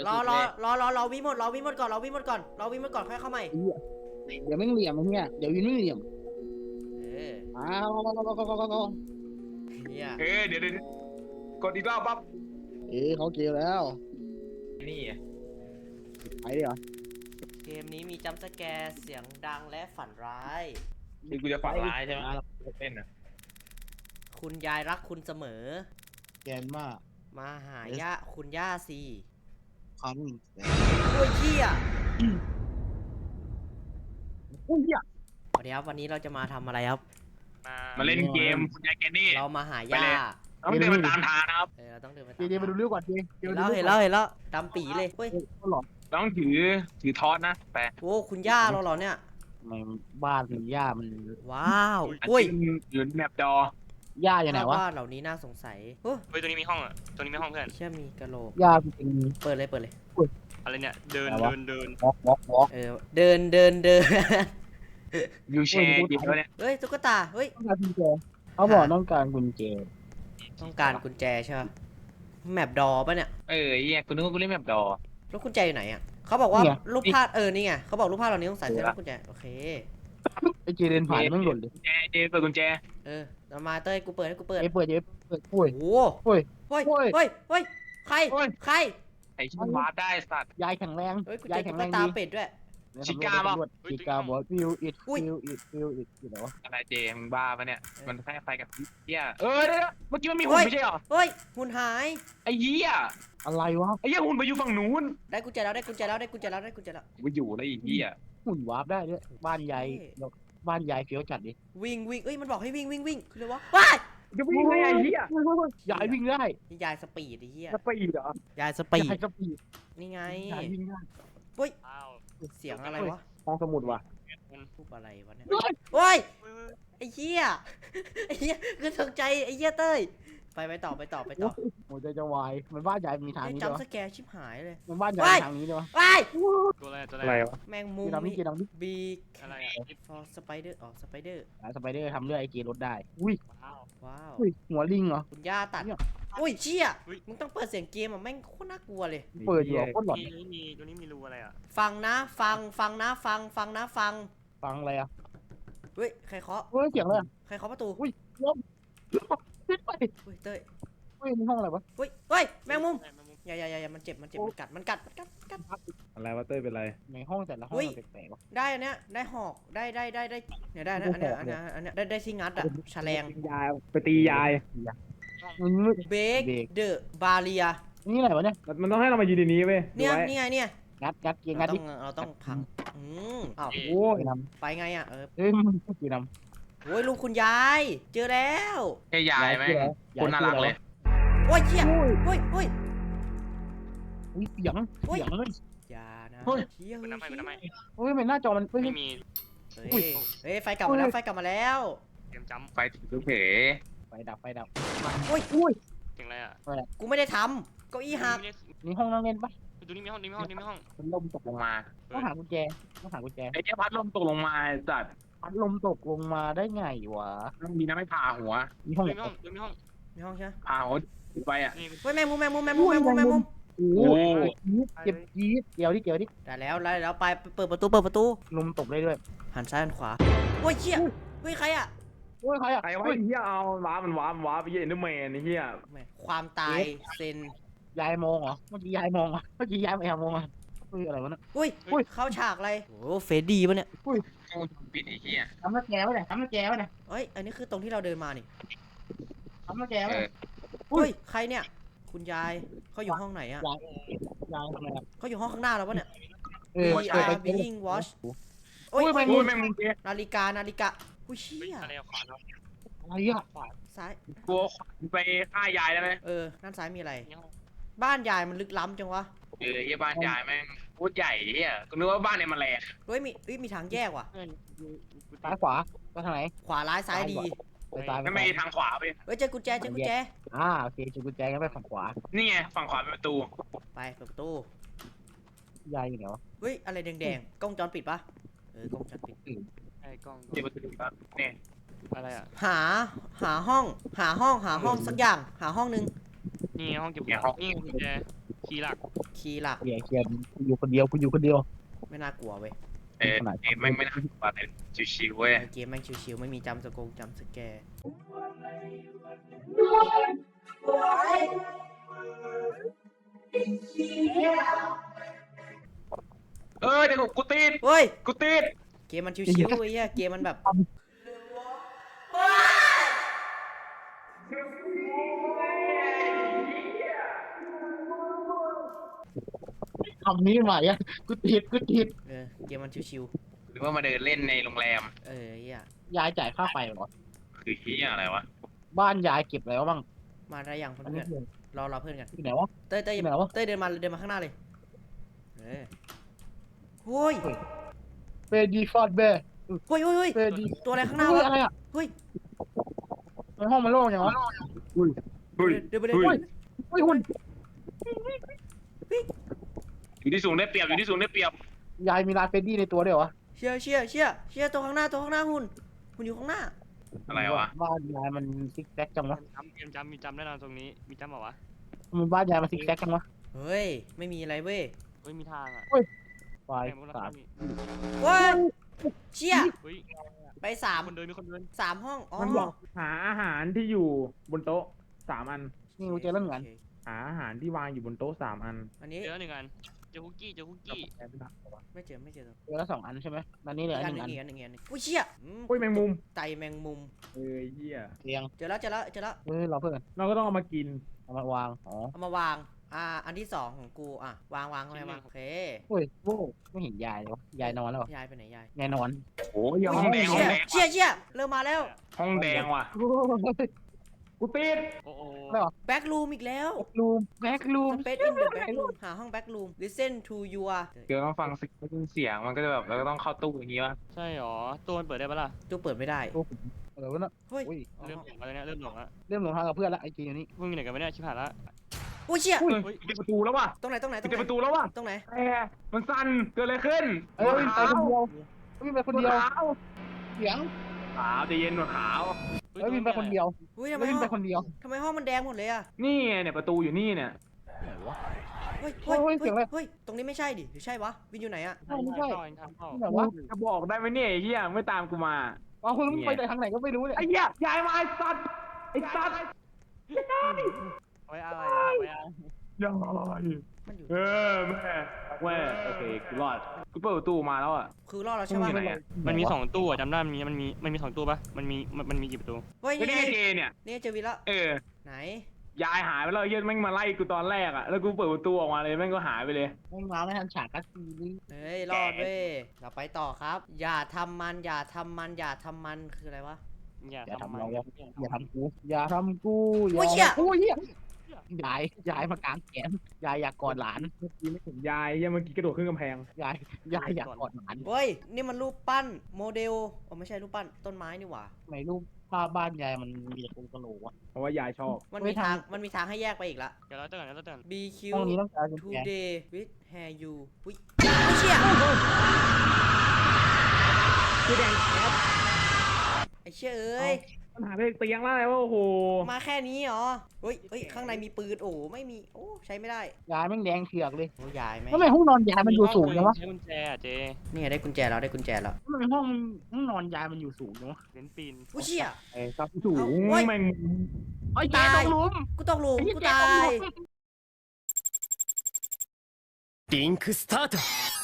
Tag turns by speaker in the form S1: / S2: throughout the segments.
S1: รอวิ่งหมดรอวิ่งหมดก่อนค่อยเข้าใหม่
S2: เดี๋ยวไม่เหลี่ยมเนี่ยเดี๋ยววินไม่เหลี่ยมอ้าว
S1: เนี่ย
S3: เดี๋ยวกดอีกรอบปั๊บ
S2: เขาเกลียวแล้ว
S3: นี่
S2: ไปดิเหรอ
S1: เกมนี้มีจัมป์สแกร์เสียงดังและฝันร้าย
S3: คือกูจะฝันร้ายใช่ไหมเต้นอ่ะ
S1: คุณยายรักคุณเสมอ
S2: แกนมาก
S1: มาหาย่าคุณย่าสิ
S2: คัน
S1: โอ้ยเหี้ย
S2: โอ้ยเหี้ย
S1: สวัสดีครับวันนี้เราจะมาทำอะไรครับ
S3: มาเล่นเกมคุณยายแกนี่
S1: เรามาหาย่า
S3: ต้องเดินมาตามทางนะครับ
S1: เราต้องเดินมา
S2: เดี๋ยวมาดูเรื่องก่อนดิ
S1: เห็นแล้วดำปีเลยเฮ้ย
S3: ต้องถือทอสนะแปะ
S1: โอ้คุณย่าเราเหรอเนี่ย
S2: มันบ้านคุณย่ามัน
S1: ว้าวอุ้ย
S3: อยู่แมปด
S2: ย่าอย่างไหนวะ
S1: บ้านเหล่านี้น่าสงสัย
S4: เฮ้ยตัวนี้มีห้องอ่ะตัวนี้มีห้องเพื่อน
S1: เชื่อมีกระโหลก
S2: ย่าเป็น
S1: เปิดเลย
S4: อะไรเนี่ยเดิน
S2: วอล์กเ
S1: ดิน
S3: ยูแชร์ดิเนี่ย
S1: เฮ้ยตุ๊กตาเฮ้ย
S2: เขาบอกต้องการกุญแจ
S1: ใช่ไหมแมปดอป่ะเนี่ย
S3: กูนึกว่ากูเล่นแมปดอ
S1: แล้วกุญแจอยู่ไหนอ่ะเขาบอกว่ารูปภาพนี่ไงเขาบอกรูปภาพเรานี้ต้องใส่เสื้อกุญแจโอเค
S2: ไอเจเดินผ่านมันหล่นเลย
S3: เปิดกุญแจ
S1: เรามาเต้ยกูเปิดให้กูเปิด
S2: เปิดโอ้ย
S1: โอ้ยใคร
S3: ไอ้ชิ้นวาร์ปได้สัตว์
S2: ยายแข็งแรง
S1: ยายแข็งแรงตาเป็ดด้วย
S3: ชิก้าป่ะ
S2: ชิก้าบอกฟิวอิดเหรอ
S3: อะไรเจมึงบ้าปะเนี่ยมันแค่ไฟกับเหี้ยเดี๋ยวเมื่อกี้มันมีหุ่นไม่ใช่หรอ
S1: เฮ้ยหุ่นหาย
S3: ไอ้เหี้ย
S2: อะไรวะ
S3: ไอ้เหี้ยหุ่นไปอยู่ฝั่งนู้น
S1: ได้กุญแจแล้ว
S3: ไปอยู่แล้วไอ้เหี้ย
S2: หุ่นวาร์ปได้ด้วยบ้านยายเฟี้ยวจัดดิ
S1: วิ่งเอ้ยมันบอกให้วิ่งคือเลยวะว้าย
S3: จะวิ่งได้ไอ้เหี้ย
S2: ยายวิ่งได้
S1: ยายสปีดไอ้เหี้ย
S3: สปีดเหรอย
S1: ายสปีดนี่ไง
S2: ยายวิ่งได้
S1: เฮ้ยเสียงอะไรวะ
S2: ห้องสมุดวะ
S1: พูดอะไรวะเนี่ยโอ้ยไอ้เหี้ยคือตกใจไอ้เหี้ยเต้ยไปต่อ
S2: หัวใจจะวายมันบ้านใหญ่มีทางนี้
S1: จำสแกร์ชิบหายเลย
S2: มันบ้านใหญ่ทางนี้ด้วย
S4: ตัว
S3: อะไรวะ
S1: แมงมุมบี
S4: อะไร
S1: สไปเดอร์สไปเดอ
S2: ร์ทำเรื่องไอเกรถได้อุ้ย
S1: ว้าว
S2: หัวลิงเหรอ
S1: คุณย่าตัดอุ้ยเชี่ยมึงต้องเปิดเสียงเกมอ่ะแม่งโคตรน่ากลัวเลย
S2: เปิดอยู่โคตรหลอน
S4: ตัวนี้มีรูอะไรอ่ะ
S1: ฟังนะฟัง
S2: อะไรอ่ะ
S1: เฮ้ยใครเคาะ
S2: เสียงอะไร
S1: ใครเคาะประตู
S2: อุ้ยลม
S1: เต้ย
S2: นี่ห้องอะไรวะ
S1: เฮ้ยแมงมุมอย่ามันเจ็บมันกัด
S3: อะไรวะเต้ยเป็นไร
S2: ในห้องแต่ละห้องแปลกๆ
S1: ได้อันเนี้ยได้หอกได้เนี่ยได้นะอันเนี้ยได้ที่งัดอ่ะแฉลง
S3: ยายไปตียาย
S1: เบรกเดอะบาเรีย
S2: นี่อะไรวะเนี่ย
S3: มันต้องให้เรามายืนในนี้เว้ย
S1: นี่ไงเนี่ย
S2: งัดดิ
S1: เราต้องพังอ้าว
S2: โอ้ย
S1: ไปไงอ่ะ
S2: มันกี่นำ
S1: โอ้ยลุงคุณยายเจอแล้ว
S3: แค่ยายไหมคนน่ารักเลย
S1: โอ้ยเชี่ยเฮ้ย
S2: เสียงเลย
S1: อย่านะ
S4: เชี่ยมันทำไม
S2: มันหน้าจอมัน
S4: ไม่มี
S1: เฮ้ยไฟกลับมาแล้ว
S4: เตรียมจำ
S3: ไฟถึงลูกเผ๋
S2: ไฟดับ
S1: อุ้ย
S4: ถึงอะไรอ่ะ
S1: กูไม่ได้ทำเก้าอี้หัก
S2: นี่ห้องนั่งเล่นปะ
S4: ตัวนี้มีห้อง
S3: พัดลมตกลงมา
S2: ต้องหากุญแจ
S3: ไอ้เจ้าพัดลมตกลงมาจัด
S2: พัดลมตกลงมาได้ไงวะ
S3: มีน้ำไม่ผ่าหัว
S2: มีห้อง
S1: ใช่
S3: ผ่าหัวไปอ่ะ
S1: เฮ้ยแมงมุม
S3: โอ้
S2: เก็บจี๊ดเกี่ยวดิ
S1: ได้แล้วไปเปิดประตู
S2: ลมตกได้ด้วย
S1: หันซ้ายหันขวาโอ้ยเชี่ยเฮ้ยใครอ่ะ
S3: ใครวะเฮียเอาว้ามันว้าไปเย็นด้วยแมนนี่เฮีย
S1: ความตายเซน
S2: ยายมองเหรอเมื่อกี้ยายมองไม่มองอ่ะอะไรวะเนี่ย
S1: อุ้ยเข้าฉากอะไรโอ้เฟดดี้ปะเนี่ย
S3: ปิดไอ้เหี้ย
S2: ทำหน้าแกวะเนี่ย
S1: เฮ้ยอันนี้คือตรงที่เราเดินมานี่
S2: ทำหน้าแกวะ
S1: เฮ้ยใครเนี่ยคุณยายเขาอยู่ห้องไหนอะ
S2: ยายทำไม
S1: เขาอยู่ห้องข้างหน้าเราปะเนี่ยbeing watch
S3: โอ้ยแมงมุม
S1: นาฬิกาอุ้ยเชี่ย
S2: อะไรอ่ะ
S1: ซ้าย
S3: กลัวไปฆ่ายายได้ไหม
S1: ด้านซ้ายมีอะไรบ้านยายมันลึกล้ำจังวะ
S3: ยี่บ้านยายแม่งพูดใหญ่เฮียกูนึกว่าบ้านเนี่ยมันแหลก
S1: เฮ้ยมีทางแยกว่ะ
S2: ซ้ายขวาไปทางไหน
S1: ขวาร้ายซ้ายดี
S3: ไม่ทางขวาไป
S1: เจอกุญแจ
S2: โอเคเจอกุญแจงั้นไปฝั่งขวา
S3: นี่ไงฝั่งขวาเป็นประตู
S1: ไปเปิดประตู
S2: ยายอยู่ไหนวะ
S1: เฮ้ยอะไรแดงกล้องจรปิดปะกล้องจรปิด
S4: ไอ้กล้อง
S3: เปิดประตูครับเนี่ย
S4: อะไรอ่ะ
S1: หาห้องสักอย่างหาห้องนึง
S4: นี่ห้องเก็บของนี่กุญแจคีย์หลัก
S1: คีย์หลัก
S2: เคลียร์กูอยู่คนเดียว
S1: ไม่น่ากลัวเว้ย
S3: เกมแม่งไม่น่ากลัวเลยชิวๆเว้ย
S1: เกมแม่งชิวๆไม่มีจัมป์สแกร์
S3: เดี๋ยวกูติด
S1: เฮ้ย
S3: กูติด
S1: เกมมันชิวๆไอ้เหี้ยเกมมันแบบ
S2: คำนี้ใหม่อะกูติด
S1: เกมมันชิว
S3: หรือว่ามาเดินเล่นในโรงแรม
S1: ๆเหี้ย
S2: ยายจ่ายค่าไฟเหรอ
S3: คือเฮียอะไรวะ
S2: บ้านยายเก็บอะไรวะบ้าง
S1: มาได้ยังเพื่
S2: อันนี้
S1: อน
S2: คือ
S1: ๆรอเพื่อนกัน
S2: ที่ไหนวะ
S1: เต้ย
S2: ที่ไหนวะ
S1: เดินมาข้างหน้าเลยโอ้ย
S2: เฟรดีฟอร์ดเบย์
S1: เฮ้ย
S2: เฟรดี
S1: ตัวอะไรข้างหน้า
S2: เฮ้ยว
S1: ะ
S2: อะไรอะ
S1: เฮ้ย
S2: ในห้องมันโล่งยังวะ
S1: เดินไปเลย
S3: เฮ้ย
S2: เฮ้ยหุ่น
S3: อยู่ที่สูงได้เปรียบอยู่ที่สูงได้เปรียบ
S2: ยายมีลายเฟรดดี้ในตัวด้วยเหรอวะ
S1: เชียร์ตัวข้างหน้าหุ่นอยู่ข้างหน้า
S3: อะไรวะ
S2: บ้านยายมันซิกแซกจังวะ
S4: มีจำแน่นอนตรงนี้มีจำเหรอวะ
S2: มันบ้านยายมันซิกแซกจังวะ
S1: เฮ้ยไม่มีอะไรเว้ย
S4: เฮ้ยมีทางอ่ะ
S2: ไฟ
S4: แม่งพวกเรา
S2: สาม
S4: มี
S1: เฮ้ยเชี่ย
S4: เฮ้ย
S1: ไปสาม
S4: มีคนเดิน
S1: ห้องอ๋อ
S5: มันบอกหาอาหารที่อยู่บนโต๊ะ3 อัน
S2: นี่กูเจอเรื่องงาน
S1: โค
S5: หาอาหารที่วางอยู่บนโต๊ะ3 อัน
S1: อันนี้
S4: เจอหนึ่งอันเจอคุกกี้
S1: ไม่เจอ
S2: เจอแล้ว2 อันใช่ไหมตอนนี้เหลือ
S1: อีก
S2: อั
S1: อั
S2: น
S1: น
S2: ห
S1: ห
S2: นึ่
S1: นึ่
S2: ง
S1: ง
S2: อัน
S1: อุ้ยเชี่ย
S5: อุ้ยแมงมุม
S1: ไตแมงมุม
S5: เอ้ยเหี้ย
S2: เตียง
S1: เจอแล้ว
S2: รอเพื่อน
S5: เราก็ต้องเอามากิน
S2: เอามาวางอ๋อ
S1: เอามาวางอันที่สองของกูวางไงวางโอเค
S2: โอ้ยโว้ไม่เห็นยายเลยวะยายนอนแล้วเหรอย
S1: ายไปไหนยาย
S2: ยายนอน
S3: โอ้ยห้องแดงห้องแดง
S1: เชี่ยเริ่มมาแล้ว
S3: ห้องแดงว่ะ
S5: กูติด
S4: โอ้โห
S1: แบ็กรูมอีกแล้ว
S2: รูมแบ็กรูม
S1: สเปซอินเดอะแบ็กรูมหาห้องแบ็กรูม listen to your
S3: เดี๋ยวต้องฟังเสียงมันก็จะแบบเราก็ต้องเข้าตู้อย่างงี้วะ
S4: ใช่หรอตัวมันเปิดได้ปะล่ะ
S1: ตู้เปิดไม่ได้
S2: อะไรวะน่ะ
S1: เฮ้ย
S2: อุ้ย
S4: เริ่มหลงแล้วเนี่ยเริ่มหลงแล้ว
S2: เริ่มหลงทางกับเพื่อนละไอจีอยู่นี่
S4: มึงอยู่ไหนกันวะเนี่ยชิบหายละ
S1: อุ้ยเชี่ย
S3: อุ้ยปิดประตูแล้วว่ะ
S1: ตรงไหน
S3: ปิดประตูแล้วว่ะ
S1: ตรงไหน
S3: แต่มันสั่นเกิดอะไรขึ้น
S2: เอ้ยไปคนเดียววิ่งไปคนเดียว
S3: ขาว
S2: เสียง
S3: ขาวใจเย็นหนวดขาว
S2: เอ้ยวิ่งไปคนเดียว
S1: อุ้ยทำไม
S2: วิ่ง
S1: ห้
S2: ไป
S1: อง
S2: คนเดียว
S1: ทำไมห้องมันแดงหมดเลยอะ
S3: นี่ไงเนี่ยประตูอยู่นี่เนี่ย
S1: เฮ้ย
S2: เฮ้ยเสียงอะไร
S1: เฮ้ยตรงนี้ไม่ใช่ดิหรือใช่วะวินอยู่ไหนอะ
S2: ไม่ใช่
S4: ทางเข้า
S2: ไหนวะ
S3: จะบอกได้ไหมเนี่ยไอ้เหี้ยไม่ตามกูมา
S2: เอาคุณไปแต่ทางไหนก็ไม่รู้เนี่ย
S3: ไอ้เหี้ยยายมาไอ้สัตว์ไอ้สัตว์
S4: ไว้อะไรอะไว้อะไร
S3: ยาย
S1: มันอยู่
S3: แม่โอเคกูรอดกูเปิดประตูมาแล้วอ่ะ
S1: คือรอดเรา
S3: มึ
S1: ใช่
S3: ง
S1: ปะ
S3: อยู่ไหนอ่ะ
S4: มันมี2ตู้อะจำได้มันมี2ตู้ปะมันมีกี่ประตู
S1: เฮ้ย
S3: ก็
S1: นี่
S3: นี่
S1: ไง
S3: ไงเจเนี่ย
S1: นี่เจอวินแล้ว ไหน
S3: ยายหายไปแล้วเหี้ยแม่งมาไล่กูตอนแรกอ่ะแล้วกูเปิดประตูออกมาเลยแม่งก็หายไปเลย
S2: ไม่มาไม่ทันฉากกัสซีนี่
S1: เฮ้ยรอดเว้ยเราไปต่อครับ อย่าทำมันคืออะไรวะ
S4: อย่า
S2: อย่า
S4: ทำ
S2: ทำ
S4: มัน
S2: เราอย่าทำกูอย่าทำกู
S1: โอ้ยเชี่ย
S2: โอ้ยเหี้ยยายมากางแขนยายอยากกอดหลาน
S5: เมื่อกี้ไม่เห็นยายเหี้ยเมื่อกี้กระโดดขึ้นกำแพง
S2: ยายอยากกอดหลาน
S1: เฮ้ยนี่มันรูปปั้นโมเดลไม่ใช่รูปปั้นต้นไม้นี่หว่า
S2: ทำไมรูปภาพบ้านยายมันมีแต่กระโหลกวะ
S5: เพราะว่ายายชอบ
S1: มันมีทางให้แยกไปอีกละ
S4: เดี๋ยวเราเตือน
S1: BQ
S2: ห้องนี้ต้องการกุญแจ
S1: today with hair you อุ้ยไม่เชี่ย
S5: คือแดงแคบ
S1: ไอ้เชี่ยเอ้ย
S5: มันหาไปเตียงแล้วไงว่าโอ้โห
S1: มาแค่นี้เหรอเฮ้ยข้างในมีปืนโอ้ไม่มีโอ้ใช้ไม่ได้
S2: ยายแม่งแดงเถือกเลย
S1: โอ้ยายไหม
S2: ทำไมห้องนอนยายมันอยู่สูงจังวะ
S4: ใช้กุญแจอะเจ
S1: นี่ไงได้กุญแจแล้ว
S2: ทำไมห้องนอนยายมันอยู่สูงจังวะ
S4: เน้นปีน
S1: อุ้ยเชี่ย
S5: ไอ้ซับสูง
S1: เฮ้ย
S5: แม่ง
S2: ไอ้ยายต้องลุม
S1: กูตกหลุม
S2: ไอ้เหี้ย
S1: กู
S2: แก
S1: ตา
S2: ต้อง
S1: ย
S2: ลุม
S6: リンクスタート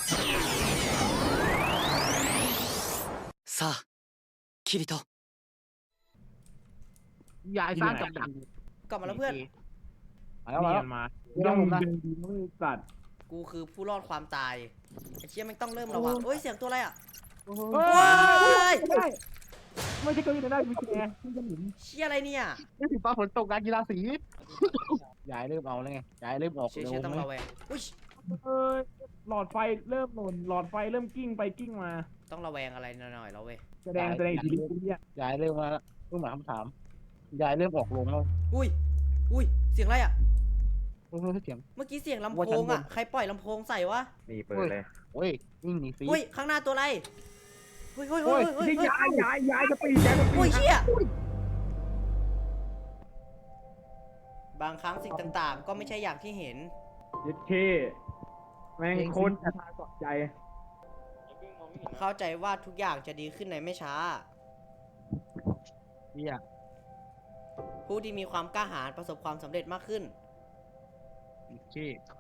S6: さあキリト
S2: ยายสร้างกับดัก
S1: กลับมาแล้วเพื่อน
S2: มาแล้วมาแล้ว
S5: มา
S2: ไม่ต้องลุมนะ
S5: เดินดีไม่สัตว์
S1: กูคือผู้รอดความตายไอ้เชี่ยมันต้องเริ่มระวังเฮ้ยเสียงตัวอะไรอ่ะ
S5: เฮ้
S1: เฮ้ย
S5: ไม่ใช่เก้าอี้ได้มีแกที่จะหมุน
S1: เชี่ยอะไรเนี่ย
S2: นี่ถึงฟ้าฝนตกงานกีฬาสียายเริ่มเอาแล้วไงยายเริ่มออก
S1: เชี่ย
S2: เร็ว
S1: เชี่ยต้องระแวงอุ้ย
S5: เอ้ยหลอดไฟเริ่มหล่นหลอดไฟเริ่มกิ้งไปกิ้งมา
S1: ต้องระแวงอะไรหน่อยๆแล้วเว้ย
S5: แสดงอิทธิฤทธิ์เนี่ย
S2: ยายเริ่มมาแล้วเพิ่งมาคำถามยายเริ่มออกลงแล้ว
S1: อุ้ยเสียงอะไรอ่ะ
S2: เพิ่งเสียง
S1: เมื่อกี้เสียงลำ
S2: ว่า
S1: โพ
S2: ชั้น
S1: ง
S2: บน
S1: อ่ะใครปล่อยลำโพงใส่วะ
S3: นี่เปิดเลย
S2: โอ้ยวิ่งหนีฟี
S1: อุ้ยข้างหน้าตัวอะไรเฮ้ย
S5: โอ้ยนี่ยายจะปียายจะปี
S1: อุ้ยเชี่ยบางครั้งสิ่งต่างๆ ก็ไม่ใช่อย่างที่เห็น
S5: ยึดเคแม่งโคตรจะทานสนใจ
S1: เข้าใจว่าทุกอย่างจะดีขึ้นในไม่ช้า
S2: เฮีย
S1: ผู้ที่มีความกล้าหาญประสบความสำเร็จมากขึ้น
S2: โอเค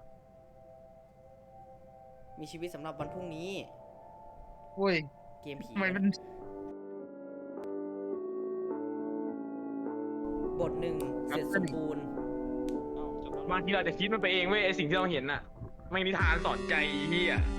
S1: มีชีวิตสำหรับวันพรุ่งนี้
S2: โอ้ย
S1: เกมผี
S2: ทำไมมัน
S1: บทหนึ่งเสร็จสมบูรณ์
S3: บางทีเราจะคิดมันไปเองเว้ยไอสิ่งที่เราเห็นน่ะไม่งนิทานสอนใจไอ้เฮีย